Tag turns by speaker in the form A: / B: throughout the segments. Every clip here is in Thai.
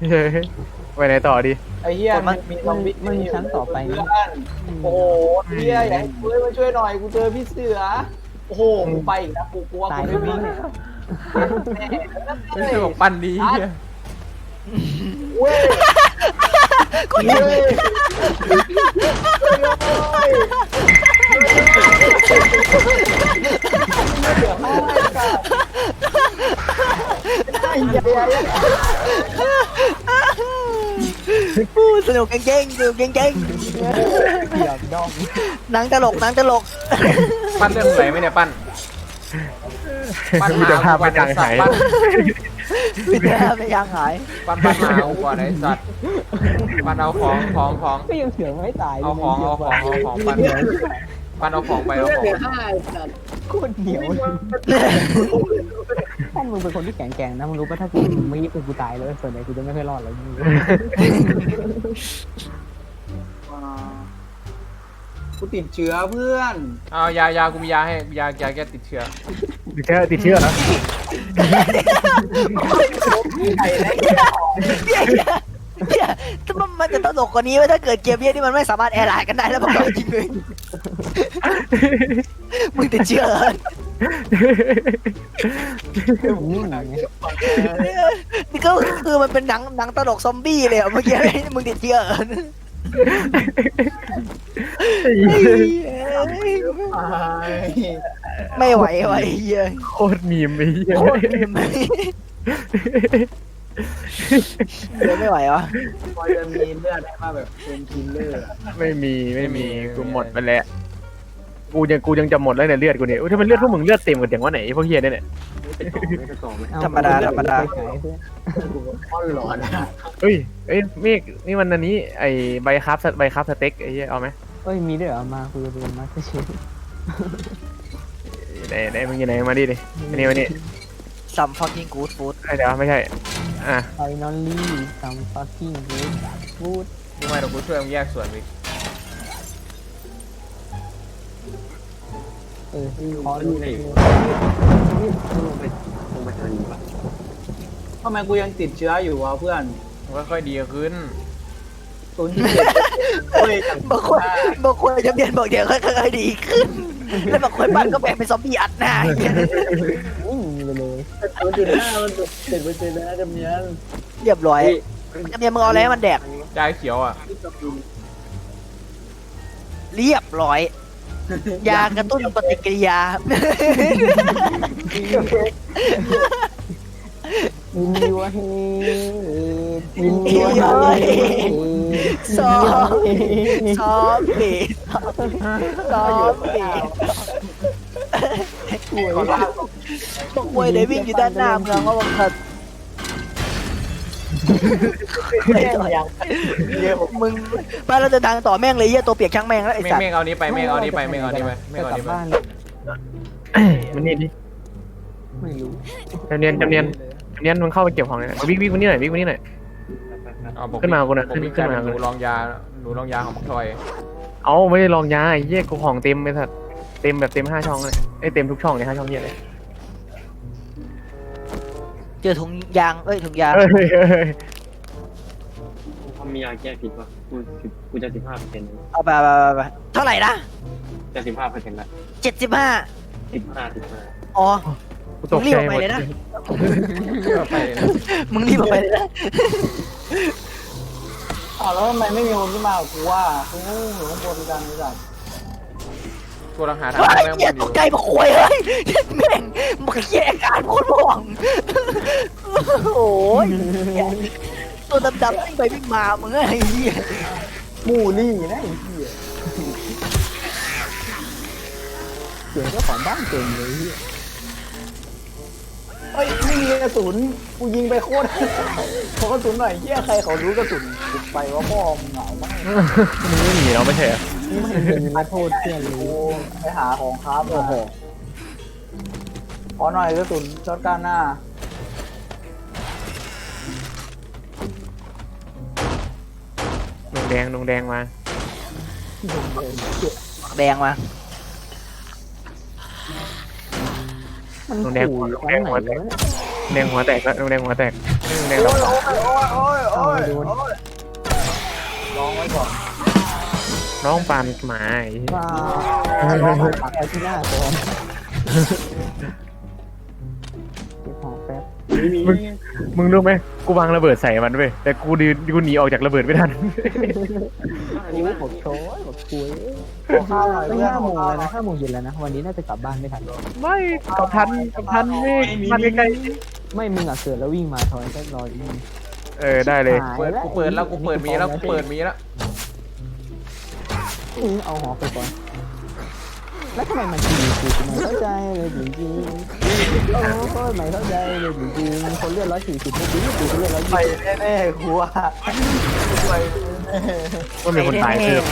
A: เฮ้ยไปไหนต่อดี
B: ไอ้เหี้ยมันมีซอมบี้
C: มันมีชั้นต่อไปนะ
B: โอ้โหเหี้ยอยากให้กูมาช่วยหน่อยกูเจอพี่เสือโอ้โหกูไปอีกนะกูกลัว
C: ตาย
B: กู
C: แล้
B: ไม่
C: ว
B: วิ่ง
C: เนี่ย
B: แน่
D: ไม่ใช่บอกปั้นดีเหี้ย
B: เว้ย
E: กู
B: เว้ยเดี๋ยวให้กันไอ้เหี้ย
E: สนุกเก่งๆสนุกเก่ง
C: เกี่ยวดอง
E: ๆหนังตลกหนังตลก
D: ปั้นเรื่องไหนไหมเนี่ยปั้นปั้น
A: มีแต่ภาพไม่ดังหาย
D: ปั้น
E: วิทยาไม่ยังหาย
D: ปั้นหาเอาก่อนไอ้สัตว์ปั้นเอาของ
C: ก็ยังเสือไม่ตาย
D: เอาของปั้นเอาของไปเอาของไป
C: โคตรเหนียวท่านมึงเป็นคนที่แข็งแกร่งนะมึงรู้ป่ะถ้ากูไม่ยิงกูตายเลยส่วนใหญ่กูจะไม่ค่อยรอดเลยมึง
B: กูติดเชื้อเพื่อน
D: เอายากูมียาให้ยาแก้ติดเชื้อ
A: ติดเชื้อเหรอ
E: เนี่ยถ้ามันจะตลกกว่านี้ว่าถ้าเกิดเกมเนี้ยที่มันไม่สามารถแอร์ไลน์กันได้แล้วบอกจริงเลยมึงติดเชื้อเหรอ
C: นิ่งไง
E: นี่ก็คือมันเป็นหนังตลกซอมบี้เลยเมื่อกี้มึงติดเชื้อเหรอไม่ไหวว่ะเฮีย
A: โคตรมีมไอ้เหี้ย
E: โคตรเดี๋ยวไม่ไหววะ
B: พอจะมีเลือดได้มาแบบเป็นคิลเลอร์
A: ไม่มีกูหมดไปแล้วกูยังจะหมดแล้วเนี่ยเลือดกูเนี่ยถ้ามันเลือดพวกมึงเลือดเต็มกันอย่างว่าไหนพวกเฮียเนี่ย
E: ธรรมดา
B: อ้อนหลอนอะ
A: เอ้ยเมฆนี่มันอันนี้ไอ้ใบคับสเต็กไอ้เหี้ยเอาไหม
C: เอ้ยมีด้วยเหรอมาคุยกันมาเชฟ
A: ไหนมึงอยู่ไหนมาดิอันนี้มานี่
E: ซัมฟักกิ้งกูดฟู้ด
A: เดี๋ยวไม่ใช่อ่ะ
C: ไฟนอลลี่ซัมฟักกิ้งกูดฟูด
D: ทำไมเรากูช่วยมึงแยกส่วนไป
C: ขอดูเลย
B: ทำไมกูยังติดเชื้ออยู่วะเพื่อน
D: มันก็ค่อยดีขึ้น
B: 0.7เฮ้ย
E: บางคนจะเปลี่ยนบอกเดี๋ยวค่อยๆดีขึ้น แล้วบางคนบ้านก็แบ่งเป็นซอมบี้อัดหน้าอย่างเงี้ย
C: นิ่งไปเลย
B: 0.5มัน7%นะจำเนียน
E: เรียบร้อยจำเนียนมึงเอาอะไรให้มันแดก
D: ยาเขียวอ่ะ
E: เรียบร้อย ยากระตุ้นปฏิกิริยา
C: ยินดีวะเฮยินดีวะเฮ
E: ซอมบี้บอกเว้ยเดี๋ยววิ่งอยู่ด้านหน้าเมืองว่าบังคับมึงบ้านเราจะดังต่อแม่งเลยเหี้ยตัวเปียกช่างแม่งแล้วไอ้สัตว์
D: เมฆเอานี้ไปเมฆเอานี้ไปเมฆเอานี้ไปเมฆเอา
C: กลับ
D: นี้ไป
C: บ้าน
A: มันนี่ดิ
C: ไม่รู้
A: จำเนียนมึงเข้าไปเก็บของเลยวิ่งวันนี้หน่อยวิ่งวันนี้หน่อย ขึ้นมากูนะ
D: ผมมี
A: ขึ้นมา
D: หนูลองยาของมักทอย
A: เอาไม่ได้ลองยาไอ้เหี้ยกูของเต็มไปสัตว์เต็มแบบเต็ม5 ช่องเลยไอ้เต็มทุกช่องเลย5 ช่องเหี้ยเลย
E: เจอถุงยางถุงยาง
F: เขามียาแก้พิษป่ะกูจะ15%
E: เอาไปเท่าไหร่นะ
F: จะ15%ละ
E: 75
F: 15
E: อ๋อ
A: กูตกใจหมด
D: ไปเลยนะ
E: มึงรีบออกไปเลยนะ
B: แล้วทำไมไม่มีคนขึ้นมากูว่ากูอยู่ข้างบนกันนี่สัตว์
D: กูลังหาทาง
E: ไอ้
D: แม่ง
E: เหี้ย
D: อ
E: ต
D: ยู่
E: กใจมาคุยเลยแม่งมึงเหี้ยการโคตรห่วงโอ้ยตัวดำๆวิ่งไปวิ่งมามึงไอ้เหี้ย
B: หมู่ลี่นะไอ้เหี้ย
C: เสียงเจ้าของบ้านเก่งเลย
B: เฮ้ยไม่มีกระสุนกูยิงไปโคตรขอกระสุนหน่อยเหี้ยใครเขารู้กระสุนกูไปว่าพ่อมึงเหงามาก
A: มึงไม่หนีเราไม่ใช่เหรอ
C: นี่มันเป็นนักโทษเพื่อนเลย
B: กูไปหาของครับโอ้โหขอหน่อยกระสุนช็อตการหน้า
A: ดงแดงมา
E: แดงมา
C: มัน
A: ดงแดง
C: ขู่
A: หัว
C: อยู่ตรงไหนวะ
A: แดงหัวแตกแล้วแดงหัวแตกในเรา
C: เอามาดู
B: ลองไว้ก่อน
A: น้องปานหมา
C: ว่าปักไว้ที่หน้าก่อนเก็บของแป๊บ
F: ไม่มี
A: มึงรู้ไหมกูวางระเบิดใส่มันเว้ยแต่กูหนีออกจากระเบิดไม่ทัน
C: โอ้บอกโชยบอกคุย
B: ขอข้าวหน่อย
C: ไม่
B: เพื่อน
C: 5 โมงแล้วนะ5 โมงเย็นแล้วนะวันนี้น่าจะกลับบ้านไม่ทัน
A: ไม่กับทันไม่ทันใกล้
C: ไม่มึงอ่ะเกิดแล้ววิ่งมาทอยก็รออยู่
A: ๆได้เลย
D: กูเปิดแล้วกูเปิดมีแล้วกูเปิดมีแล้ว
C: เอาหอไปก่อนแล้วทำไมมันทีกูไม่เข้าใจเลยจริงๆโอ้ยไม่เข้าใจเลยจริงๆคนเลือด140ไม่ดีกูเลือด
B: ไป
C: 120
B: แน่ๆกูว่าไป
A: ว่ามีคนตายเพิ่มไป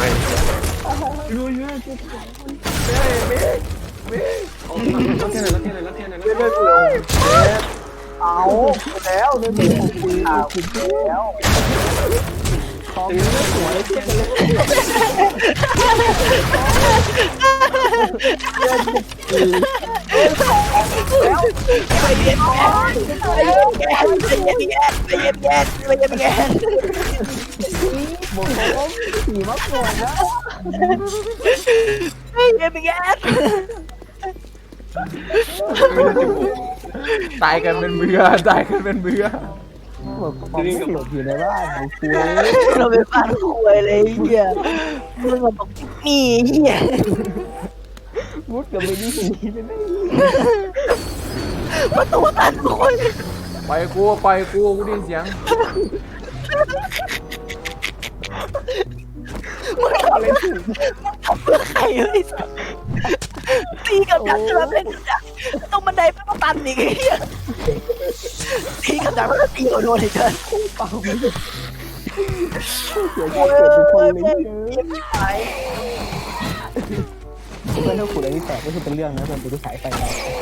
F: รับเทียนหน่อยรับเทียนหน่อยรับเทียนหน่อย
B: เรื่อยๆกูเอาแล้วเรื่อยๆกูกินแล้วของนี้ไม่สวยเลยเพื่อนเลย
E: ไปเย็นแกไปเย็นแกไปเย็นแกไปเย็นแก
C: บอกว่าขี่มาก่อนนะ
E: ไปเย็นแก
D: ตายกันเป็นเบื่อตายกันเป็นเบื่อ
C: บอกความไม่หลบอยู่ในบ้านไอ้คุย
E: เราเป็นบ้านคุยเลยเฮียมึงบอกนี่เฮีย
C: มุดกับไปนี่เลยนะ
E: ประตูตันคน
D: ไปกูได้ยินเสียง
E: มึงทำอะไรถูกทำเพื่อใครเลยตีกับดักเจอเล่นดักตรงบันไดไม่ต้องตันอีกเฮียตีกับดักแล้วตีโดนอีกเกิน
C: เปล่าไม่เสีย
E: โอ้
C: ใจ
E: ย
C: เกิดเป็นคนเลย
E: เยี่ยมไป
C: เพื่อนถ้าขุดอะไรที่แตกก็คือเป็นเรื่องนะเพื่อนกูฉายไฟไป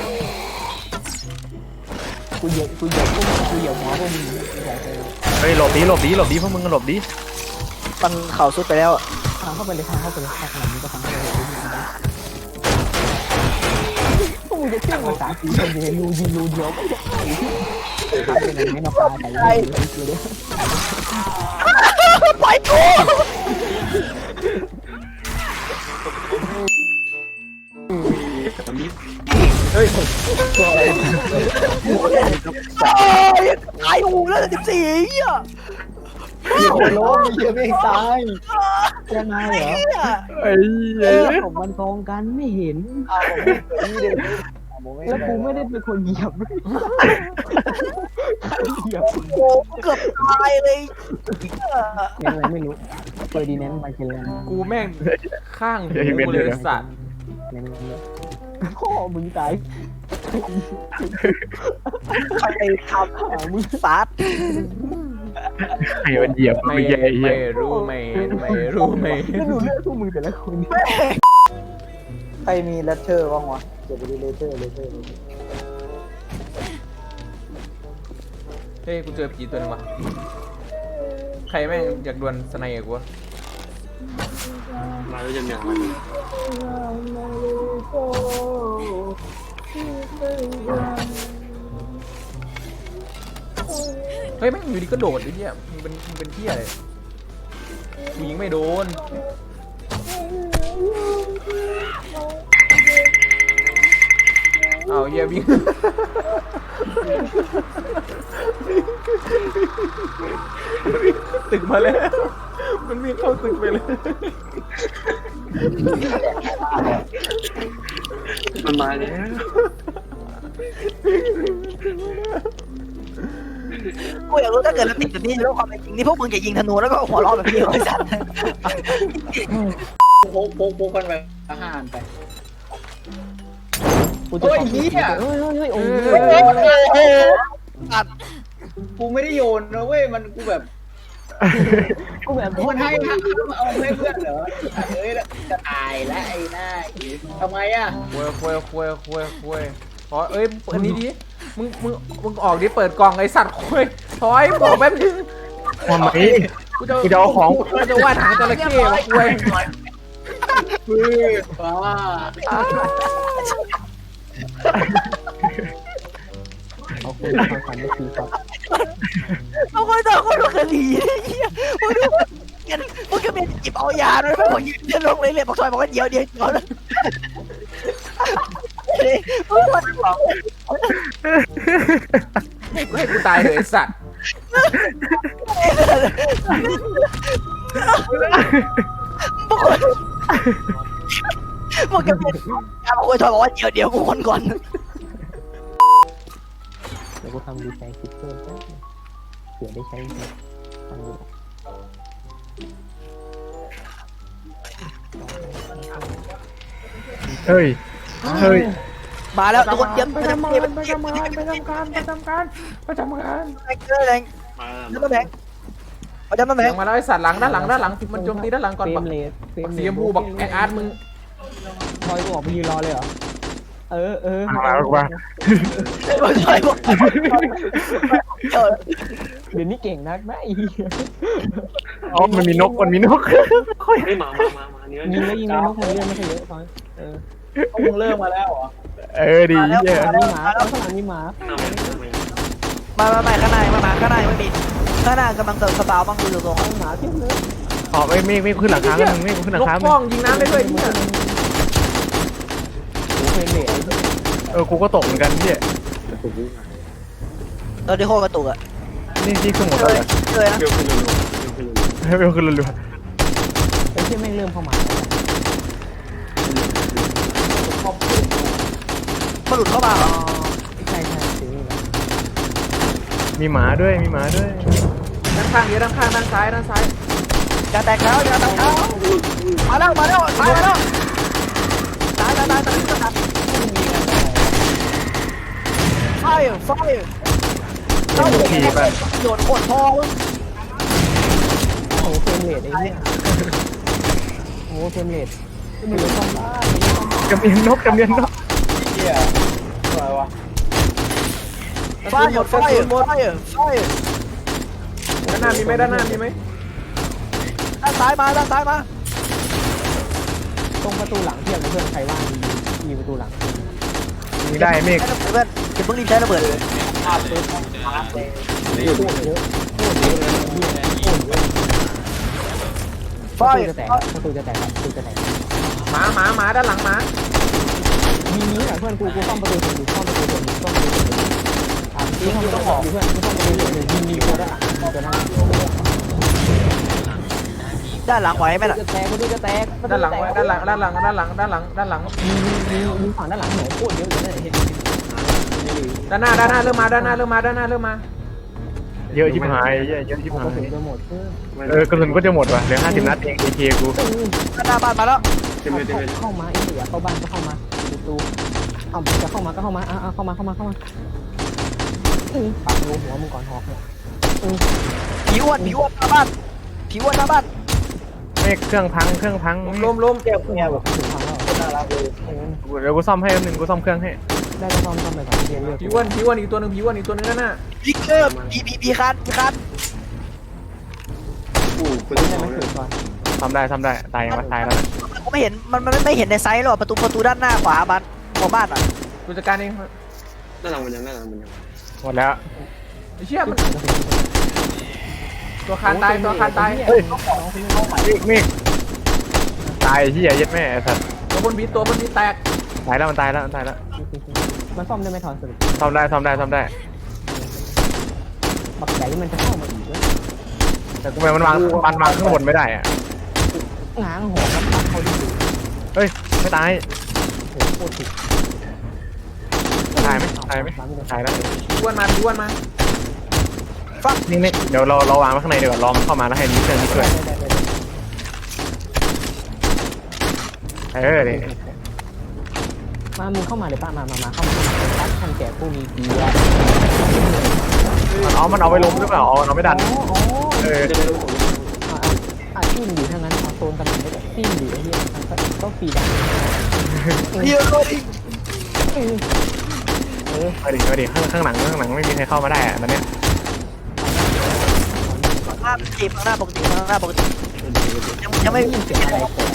C: กูเหยียบหัวพวกมึงฉายไฟ
A: เฮ้ยหลบดีพวกมึงหลบดี
E: มันเข่าสุดไปแล้ว
C: ทางเข้าไปเลยทางขนาดนี้ก็ทางเข้าไปเลยพวกมึงจะเชื่อภาษาจีนคนเดียวรูยิงรูเดียวก็จะทำยังไงไม่มาปาใส่เลย
E: ปล่อยกู
D: เฮ้ย
E: ตายหูแล้ว14เฮีย
B: คนล้มเยอะไม่ตาย
C: ยังไงเหรอ
A: ไอ้เหี้ย
C: ผมมันตรงกันไม่เห็น
B: เอาผมไม่เดินผมไม่
C: แล้วกูไม่ได้เป็นคนเหยียบเหยียบ
E: โอ้เกือบตายเลย
C: ยังไงไม่รู้เฟอร์ดินแนนด์มาเชลน
D: กูแม่งข้างหูเลยสัตว์
C: พ่อมึงตาย
E: ใครทำมึงซัด
A: ไอ้มันเหยียบ
D: ไม่
A: ไม่แย่เหี้ย
D: รู้ไม่
C: แล้วดูเลือดพวกมึงแต่ละคน
B: ใครมีเลตเตอร์บ้างวะเก็บไปดิเลตเตอร์
D: เฮ้ยกูเจอผีตัวนึงว่ะใครแม่งอยากดวลสไนกับกูวะ
F: มาแล้วจะอย่างไร
D: เฮ้ยแม่งอยู่ดีก็โดดไอ้เหี้ยมึงเป็นเหี้ยอะไรกูยิงไม่โดนเอาเหี้ยวิ่ง ตึกมาแล้วมันวิ่งเข้าตึกไปเลย
F: มันมาแล้ว
E: กูอยากรู้ถ้าเกิดเราติดแบบนี้แล้วความเป็นจริงนี่พวกมึงจะยิงธนูแล้วก็หัวเราะแบบนี้เลยสัตว์
B: โป๊กกันไปอาหารไป
C: กูจะเฮ้ยโอ้ย
B: โอ้กูไม่ได้โยนนะเว้ยมันกูแบบ
C: กูแบบ
B: มันให้เอาให้เพื่อนเหรอเอ้ยจะตายแล้วไอ้หน้าทำไมอ่ะ
D: คุยขอเอ้ยอันนี้ดิมึงออกดิเปิดกล่องไอสัตว์คุยถอยบอกแป๊บนึง
A: ทำไม
D: กูจะ
A: กูจะเอาของ
D: กูจะวาดหางจระเข้มาคุย
B: มือฟ้า
C: เอาคนทางฝันไม่คือครับ
E: เอาคนต่อคนละคดีเฮียมึงดูมึงก็เป็นจิบเอายาด้วยไม่บอกยืนเดินลงเลยเลยบอกซอยบอกว่าเดี๋ยวก่อนมึงมันบอก
D: ให้กูตายเลยไอ้สัตว์
E: มึงก็เป็นยาบอกว่าซอยบอกว่าเดี๋ยวกูคนก่อน
C: เดี๋ยวกูทำดีใจคิดเพิ่มนะเผื่อได้ใช้จริงทำดู
A: เฮ้ยเฮ้ย
E: มาแล้วทุกคนเตรียม
D: ไปทำงานไปทำงานไปทำการไปทำการไปทำงาน
E: แรง
F: มา
E: น้ำแข็งเอาน้ำแข็
D: เสีย
E: ง
D: งมาแล้วไอ้สัตว์หลังด้านหลังมันโจมตีด้านหลังก่อน
C: เฟร
D: บั
C: ม
D: ก
C: เลสเฟรม
D: สีชมพูบอกไอ้อาร์ตมึง
C: ทอยกูออกไปยืนรอเลยเหรอเออ
A: มาแล้วว่า
E: ซอยบอก
C: เดี๋ยวนี้เก่งนักนะไอ้
A: อ๋อมันมีนกค่อย
F: ไม่มาเนื้อ
C: ยิงแล้วยิงแล้วนกมันเลื่อนไม่ค่อยเยอะทอย
B: มึงเริ่มมาแล้วเหรอ
A: ดีเหี้ย
C: มีหมาข้างหลังมีหมา
E: มาข้างในมาข้างในไม่มีข้างหน้ากำลังสตาร์บ้างดูตรง
C: หมาเทียบเลย
A: อ๋อไม่ขึ้นหลังคาไม่ขึ้นหลั
D: น
A: ง
D: ก
A: คา
D: ป้องยิงน้ำได้ด้วยเนี่ย
C: เฟรมเลส
A: กูก็ตกเหมือนกันพี่
E: ตอนที่โคกระตุกอ่ะ
A: นี่คือหมดแล้ว
E: เลยนะ
F: เบลขึ้นเลย
A: เบลขึ้นรัว
C: ไอ้ที่แม่งเริ่มเข้ามา
E: มันหลุดเข้ามา
C: ใช่สีนี่แหละ
A: มีหมาด้วย
D: ด้านข้างเยอะด้านข้างด้านซ้าย
E: อย่าแตกแล้วมาแล้วตายไฟเข้า
A: ขี่ไป
E: โดนกดพอ
C: โอ้เฟรมเลสไอ้เนี่ยโอ้เฟรมเลสไม่รู้ต้องบ้าก
A: ำเนียนนก
B: เฮียอะไรวะ
E: ไฟ
D: ด้านหน้ามีไหมด้านซ้ายมา
C: ตรงประตูหลังเทียบกับเพื่อนใครว่างมีประตูหลัง
A: มีได้เมฆ
E: เพื่อนจะเพิ่งรีบใช้ระเบิดเลย
B: ภาพปืนภาพเลย
C: โคตรเยอะโคตรเยอะเลย
E: ไฟ
C: ประตูจะแตกประตูจะแตก
D: หมาด้านหลังหมา
C: มีนี้แหละเพื่อนกูซ่อมประตูอยู่ซ่อมประตูอยู่ซ่อมประตูอยู่ยิงต้องออกเพื่อนซ่อมประตูอยู่ยิงตัวด้านหลังตัวนั้น
E: ด้านหลังไหวไหมล่ะ
C: จะแตกประตูจะแตก
D: ด้านหลังด้านหลัง
C: มีฝั่งด้านหลังหนูโคตรเยอะเลย
D: ด้านหน้าเริ่มมา
A: เยอะชิบหายเยอะชิบ
C: ก
A: หา
C: ระสุน
A: ย
C: จะหมดเพื่อน
A: กระสุนก็จะหมดว่ะเหลือ50 นัดเองAK กู
E: หน้าบ้านมาแล้ว
C: เข้ามาไอ้เหลือเข้าบ้านก็เข้ามาประตูเอาจะเข้ามาก็เข้ามาเข้ามาปักรูหัวมึงก่อนหอกเนี่ย
E: ผีอ้วนหน้าบ้าน
A: เมฆเครื่องพัง
D: ล้ม
B: เที่ยวเนี่ยแบบ
C: ถึงฟังแล้ว
B: น่ารักเลย
A: เดี๋ยวกูซ่อมให้แป๊บนึงกูซ่อมเครื่องให้
C: ได้ก็ซ่อมไปก่อนเรียนเลือก
D: ผีอ้วนอีกตัวนึงด้านหน้า
E: พิกเกอร์ผีคัน
F: อู้ปืน
C: ได้
F: สอ
C: ไหม
F: งเล
C: เกิ
F: ย
C: ดก่อน
A: ซ่อมได้ตายยังวะตายแล้ว
E: ผมไม่เห็นมันไม่เห็นในไซส์หรอกประตูด้านหน้าขวาบ้านหัวบ้านอ่ะ
D: กูจัดการเอง
F: ด้านหลังมันยัง
A: หมดแล้ว
D: ไอ้เชี่ยมันตัวคานตาย
A: เมฆตายเหี้ยยัดแม่ไอ้สัตว์
D: ตัวบนบีแตก
A: ตายแล้วมันตายแล้ว
C: มันซ่อมได้ไหมทอนสรุป
A: ซ่อมได้
C: บักใหญ่มันจะเข้ามาอีกด้วย
A: แต่กูมันวางข้างบนไม่ได้อะ
C: ง้างหัวแล้วปักเขาดิ
A: เฮ้ยไม่ตาย
C: โหโคตรถูก
A: ตายไหมตายแล้ว
D: ผีอ้วนมา
A: นี่เดี๋ยวเราวางไว้ข้างในดีกว่ารอมันเข้ามาแล้วให้นี้เครื่องนี้ช่วยนี่
C: มามึงเข้ามาเลยป้ามาเข้ามาตัดทันแก่ผู้มีดีอ่ะ
A: มันเอาไปล้มหรือเปล่าเอาไม่ดัน
C: อ๋อ
F: จะได้รู้ผม
C: จิ้มอยู่ทั้งนั้นเอาโซนกันได้แบบจิ้มอยู่ไอ้เหี้ยก็ฟรีดัง
E: เยอะเลย
A: มาดิข้างหลังไม่มีใครเข้ามาได้อะตอนเนี้ย
E: หน้าจีบหน้าปกติยังไม่
C: ยินเสียงอะไรแตก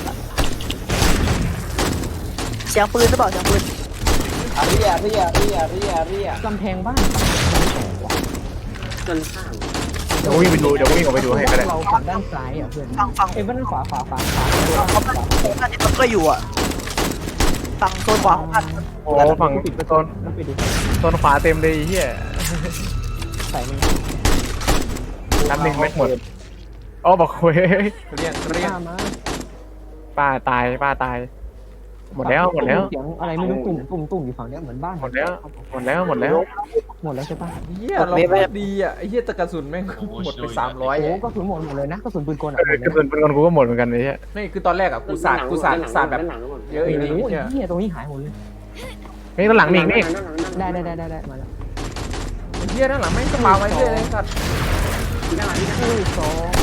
E: เสียงปืนหรือเปล่าเสียงปืน
B: เรีย
C: กำแพงบ้านมันแตกว่ะ
F: ด้านข้าง
A: เดี๋ยววิ่งไปดูเดี๋ยววิ่งออกไปดูให้ก็ได้
C: เราฝั่งด้านซ้ายอ่ะเพื่อน
E: ฝั่ง
C: เอ้ยด้านขวาขวา
E: น่าจะต้องก็อยู่อ่ะฝั่งโซนขวาของพัน
A: โอ้ฝั่ง
C: ปิดประ
A: โซ
C: ตู
A: น
C: แล้วปิดดิ
A: โซนขวาเต็มเลยไอ้เฮีย
C: ใส่มัน
A: นับหนึ่งไม่หมดอ๋อบอกเว้ย
D: เรียน
C: ข้ามา
A: ป้าตายป้าตาย หมดแล้วหมดแล้ว
C: เสียงอะไรไม่รู้ตุ่มอยู่ฝั่งเนี้ยเหมือนบ้าน
A: หมดแล้วหมดแล้วหมดแล้ว
C: หมดแล้วใช่ปะ
D: เหี้ยเราโคตรดีอ่ะไอ้เหี้ยตะกระสุนแม่งหมดไป300
C: โอ้
D: อ่ะ
C: ก็ถือหมดเลยนะกระสุนปืนกล
A: เออกระสุนปืนกลกูก็หมดเหมือนกันเลยเฮีย
D: ไม่คือตอนแรกอ่ะกูสาดแบบ
F: ด้านหลังก็หมด
D: เยอะอีกนิด
C: โอ้ย
D: เนี่ย
C: เหี้ยตรงนี้หายหมดเลย
A: นี่ด้านหลังมีอีกนี่
C: ได้มาแล้ว
D: ไอ้เหี้ยด้านหลังแม่งก็มาไว้เรื่อยเลยสัตว์
C: สอง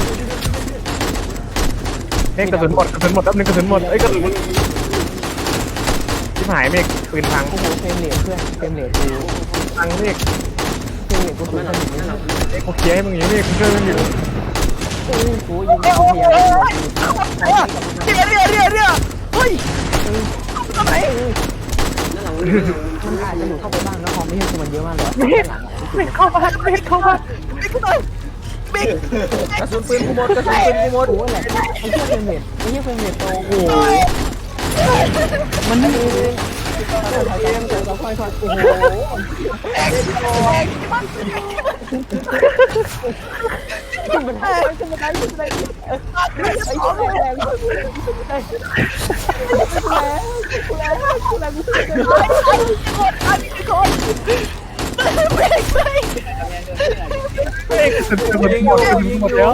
A: นี่กระสุนหมดกระสุนหมดแป๊บนึงกระสุนหมดเอ้ยกระสุนที่หายเมฆปืนพัง
C: โอ้โหเฟรมเรทเพื่อนเฟรมเรทกู
A: พังเมฆ
C: เฟรมเรทกูสูง
F: ด้านห
C: ข
F: ลัง
C: นาดนี้
F: ด้านหลัง
A: เอ้ยกูเคลียร์ให้มึงอย่างนี้เมฆกูช่วยมึงอยู่
C: โอ้โหยิงพยายาม
E: เรียเฮ้ยทำไม
F: ด้านหลัง
C: มันอาจจะหลุดเข้าไปบ้างนะพอไม่ใช่คือมันเยอะมากเลย
A: เมฆเข้าบ้านเมฆเข้าบ้าน
E: บิ๊กขึ้นเลยบิ๊ก
D: กระสุนปืนกูหมดกระสุนปืนกูหมด
C: โอ้โหแหละไอ้เหี้ยเฟรมเรทไอ้เหี้ยเฟรมเรทโตโอ้โหมันดีค่อยๆโอ้โหขึ้นบันไดขึ้นบันไดขึ้นบันไดไอ้เหี้ยแรงแรง
A: เมฆกระสุนปืนหมดกระสุนหมดแล้ว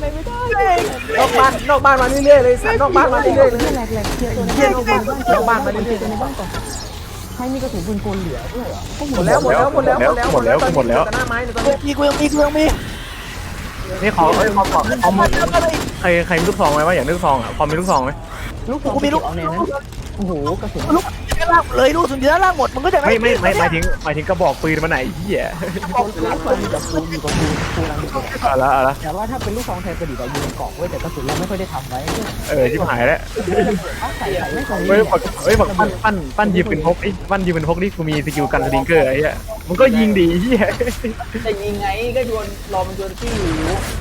D: นอกบ้านมาเรื่อยๆเลยสัตว์นอกบ้านมาเรื่อยๆเลย
C: แหลกเคลียร์ตัว
D: เหี้ยนอกบ้านมาเรื่อยๆ
C: ในบ้านก่อนใครมีกระสุนปืนกลเหลือด้วยเหรอ
D: หมดแล้วตอนนี้ตอนนี้หน้าไม้เนี่ยตอนนี้
E: มีกูยังมี
A: นี่ขอขอคอมใครมีลูกซองไหมว่าอยากได้ลูกซองอ่ะคอมมีลูกซองไหม
C: ลูกเอาแนวนั้นโอ้โหกระสุน
E: ลูกด้านล่างเลยลูกสุดด้านล่างหมดมึงก็จะ
A: ไม่หมายถึงกระบอกปืนมันไหนเหี้ย
C: อยู่กับกูรังอยู่
A: เอาละ
C: แต่ว่าถ้าเป็นลูกซองไทยประดิษฐ์ยิงเกาะไว้แต่กระสุนเราไม่ค่อยได้ทำไว้
A: ชิบหายแล้ว
C: ใส่ไม่ใส่
A: บอกปั้นยิงปืนพกไอ้ปั้นยิงปืนพกนี่กูมีสกิลกันสลิงเกอร์ไอ้เหี้ยมันก็ยิงดีเหี้ย
B: จะยิงไงก็โยนรอมันโยนที่อยู่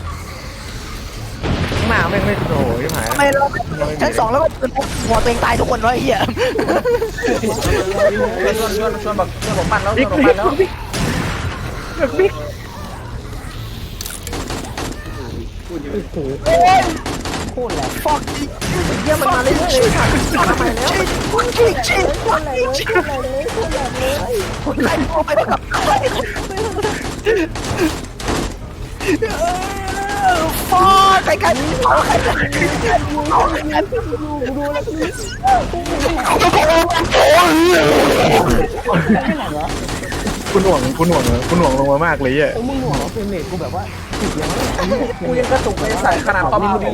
A: ข้างหน้าไม่โอ้ยชิบหาย
E: ทำไมเราชั้น2แล้วก็หัวตัวเองตายทุกคนวะไอ้เหี้ย
D: ชวนบอกปั่นแล้วชวนบอกปั่นแล้ว
A: บิ๊ก
F: พูดเยอะ
C: โอ้โหโคตรแหลก
E: ฟอกอีก
D: เยี่ยมันมาเรื่อยๆเลยทำไมแล้ว
E: ชี้
C: โคตรแหลกเลยโคตรแหลกเลยโคตรแหลกเลย
E: ใครโทรไปกับใครฟอใครกันเอาใครกันเอาใครกัน
C: ดูแล้วกู
A: คุณหน่วงลงมามากเลยอ่ะ
C: มึงหน่วงเฟรมเรทกูแบบว่าติดยังไง
D: กูยังกระตุกไปใส่ขนาดความดี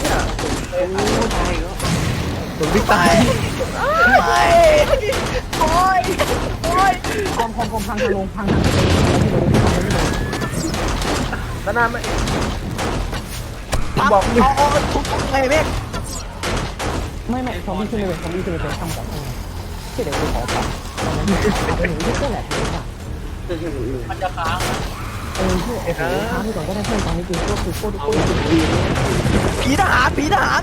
A: ตัวบิ๊กตาย
E: ไม่โอ้ย
C: คอมพังทางลงพัง
D: ด้านหน้าไม่
E: บอกเอาทุกไงเมฆ
C: ไม่ซอมบี้ขึ้นเลยทำกับที่เดี๋ยวกูขอปัดที่ก็แหลกเลยค่ะ
B: มันจะค้างนะ
C: โอ้โหค้างไปก่อนก็ได้เพื่อนตอนนี้กูโคตร
E: ผีทหาร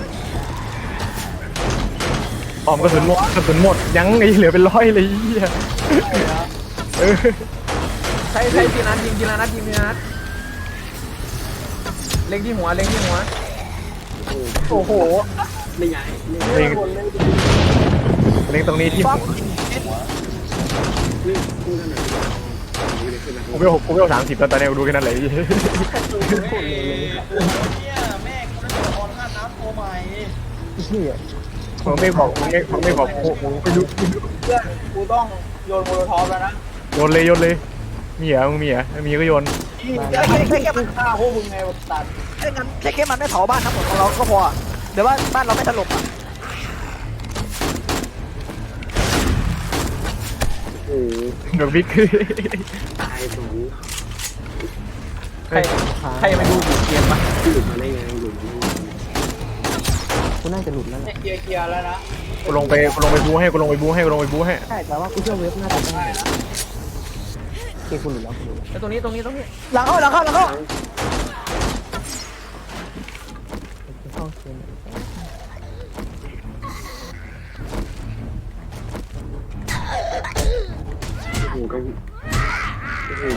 A: ปอมกระสุนหมดยังไอ้เหลือเป็นร้อยเลยเหี้ย
D: ใช้ทีนัดยิงทีละนัดเล็งที่หัว
E: โอ้โห
F: ไม่ย้าย
A: เล็งตรงนี้ที่
E: ฟอก
F: นี่พูดกันหน่อยคือแบบ
A: กูไม่เอา30ตอนนี้กูดูแค่นั้นเลย
B: เนี่ยแม่กูได้ตัวละครข้ามน้ำตัวใหม่
C: เหี้ย
A: มึงไม่บอกไปดู
B: เพื่อนกูต้องโยนโมโลทอฟแล้วนะ
A: โยนเลยมีเหรอมึงมีเหรอมีก็โยน
B: แค่มันฆ่าพวกมึงไงตัด
E: แค่มันไม่เผาบ้านทั้งหมดของเราก็พอเดี๋ยวว่าบ้านเราไม่ถล่มอ่ะ
F: โอ้
A: ดอกบิ๊ก
F: ตายสอง
D: ใครมาดูเกมปะ
F: หลุดมาได้ไงหลุดมาได้ไง
C: กูน่าจะหลุดแล้วแหละ
B: เคลียร์แล้วนะ
A: กูลงไปบูให้
C: ใช่แต่ว่ากูเชื่อเว็บน่าจะได้เกกูหลุดแล้วกูหลุดแล้ว
D: ไอ้ตรงนี้
E: หลังเข้า
C: เข้าเกม
F: โอ้โหก็โอ้โห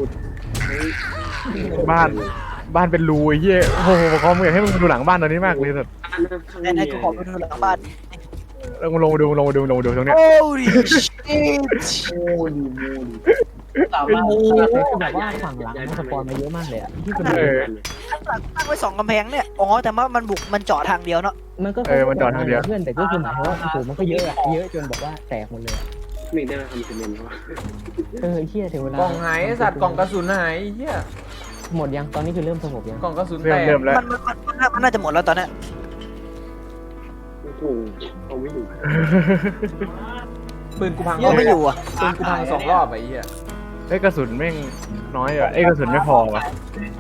F: บ้านกู
A: บ้านเป็นรูไอ้เหี้ยโอ้โหคอมอยากให้มึงดูหลังบ้านตอนนี้มากเลยสัส
F: บ้านข้าง
E: ไหนๆกูขอไปดูหลังบ้าน
A: แล้วมึงลงมาดูตรงเนี้ย
E: โอ้ยชิต
B: โอ้ดีมูดี
C: สามารถแต่คือแบบว่าฝั่งหลังมันสปอนมาเยอะมากเลยอ่ะที่เป็น
A: เออ
E: ข้างหลังตั้งไว้2กำแพงเนี่ยอ๋อแต่ว่ามันบุกมันเจาะทางเดียวเนาะ
C: มันก็
A: มันจอดทางเดียว
C: เพื่อนแต่ก็คือหมายถึงว่าโอ้โหมันก็เยอะอะเยอะจนแบบว่าแตกหมดเลย
F: ไม่ได้มาทำซีเมนต์วะ
C: เชี่ยถึงเวลาก
D: ล่องหายไอ้สัตว์กล่องกระสุนหายไอ้เหี้ย
C: หมดยังตอนนี้คือเริ่มสงบยัง
D: กล่องกระสุนแต
A: เริ่
D: ก
A: มแล้ว
E: มันน่าจะหมดแล้วตอนเนี้ย
F: โอ้โหเอาไม่อยู่
D: ปืนกูพัง
E: ยังไม่อยู่อ่ะ
D: ปืนกูพัง2 รอบไอ้เหี้ย
A: ไอ้กระสุนแม่งน้อยอ่ะไอ้กระสุนไม่พอว่ะ